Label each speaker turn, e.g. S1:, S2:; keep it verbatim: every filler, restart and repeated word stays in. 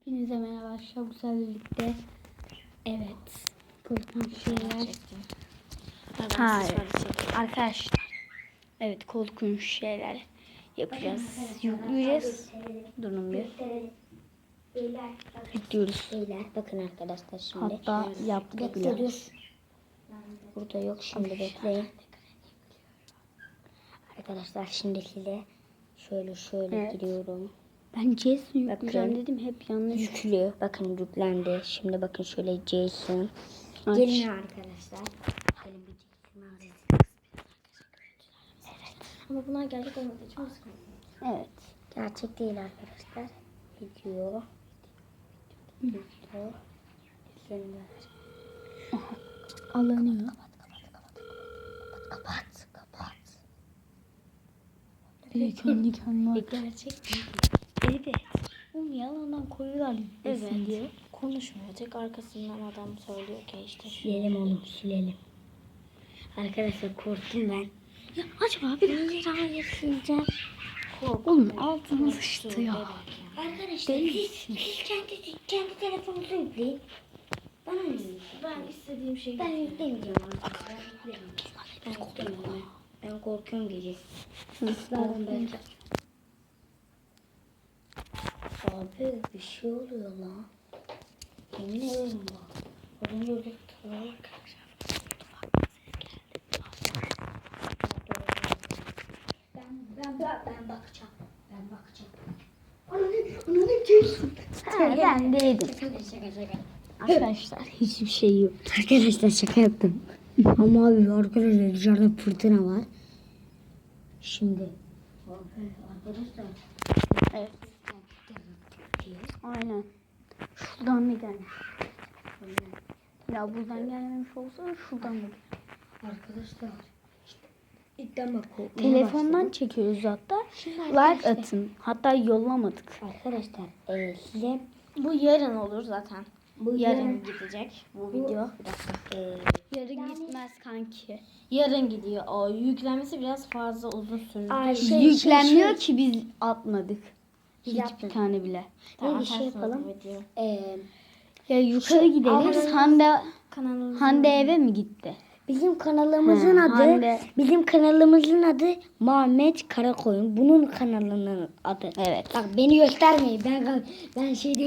S1: Hepinize merhaba arkadaşlar. Bu sefer birlikte evet korkunç şeyler. Hayır arkadaşlar. Evet korkunç şeyler yapacağız. Yükleyeceğiz. Durun bir. Yüklüyoruz.
S2: Beyler bakın arkadaşlar şimdi.
S1: Hatta yaptık bile.
S2: Bekliyoruz. Burada yok şimdi bekleyin. Arkadaşlar şimdi size şöyle şöyle
S1: Evet.
S2: giriyorum.
S1: Ben Jason yükleyeceğim
S2: Bakın.
S1: dedim, hep yanlış.
S2: Yüklü. Bakın yüklendi. Şimdi bakın şöyle Jason.
S1: Aç.
S2: Gelin arkadaşlar. Gelin bir Jason alacağız. Evet. Ama bunlar gerçek olmadığı için sıkıntı.
S1: Evet.
S2: Gerçek değil arkadaşlar. Video. Video. Şimdi.
S1: Alınıyor.
S2: Kapat. Kapat.
S1: Bir de kendi kendine.
S2: Gerçek değil.
S1: Evet. Oğlum yalandan koyuyorlar yüklesin
S2: Evet.
S1: diye.
S2: Konuşmuyor. Tek arkasından adam söylüyor ki işte. Silelim onu. Silelim. Arkadaşlar korktum ben.
S1: Ya acaba bir
S2: Hayır hayır sileceğim.
S1: oğlum altına sıçtı ya.
S2: Arkadaşlar
S1: Değil.
S2: siz, siz kendi, kendi telefonunuzu yükleyin. Bana ne?
S3: Ben istediğim şeyi
S2: Ben yüklemeyeceğim arkadaşlar. Ben yüklemeyeceğim. Ben yüklemeyeceğim. Ben korkuyorum gece. Zaten ben... Abi bir şey oluyor lan. Yemin ederim bak. Az önce öyle tutarak. Ben, ben, ben, ben bakacağım. Ben bakacağım. Ananı, ananı gelsin.
S1: Ha, ben değildim.
S2: Şaka şaka şaka.
S1: Arkadaşlar hiçbir şey yok.
S2: Arkadaşlar şaka yaptım. Ama abi arkadaşlar dışarıda fırtına var. Şimdi. Abi arkadaşlar.
S1: Evet. Aynen. Şuradan mı gelmiş? Ya buradan gelmemiş olsa şuradan mı gelmiş?
S2: Arkadaşlar. İşte ilkten bak korkmaya
S1: Telefondan
S2: başladım.
S1: çekiyoruz hatta.
S2: Şimdi
S1: Like
S2: arkadaşlar-
S1: atın. Hatta yollamadık.
S2: Arkadaşlar e, size
S3: Bu yarın olur zaten.
S2: bu
S3: Yarın
S2: yarın
S3: gidecek bu
S2: bu-
S3: video.
S2: bir dakika. E,
S1: Yarın gitmez kanki.
S3: Yarın gidiyor. O yüklenmesi biraz fazla uzun sürdü.
S2: Ay, şey,
S1: Yüklenmiyor
S2: şey,
S1: ki biz atmadık.
S2: Biz
S1: Hiçbir
S2: yaptık.
S1: tane bile.
S2: ne bir şey
S3: atarsınız
S2: yapalım.
S3: bu videoyu.
S2: E,
S1: Ya yukarı
S2: Şu
S1: gidelim.
S2: Allah'ın-
S1: Hande
S3: Kanalımızın
S1: Hande eve mi gitti?
S2: bizim kanalımızın
S1: He,
S2: adı
S1: Hande.
S2: bizim kanalımızın adı Muhammed Karakoyun. Bunun kanalının adı.
S1: Evet.
S2: Bak beni göstermeyin. Ben ben şey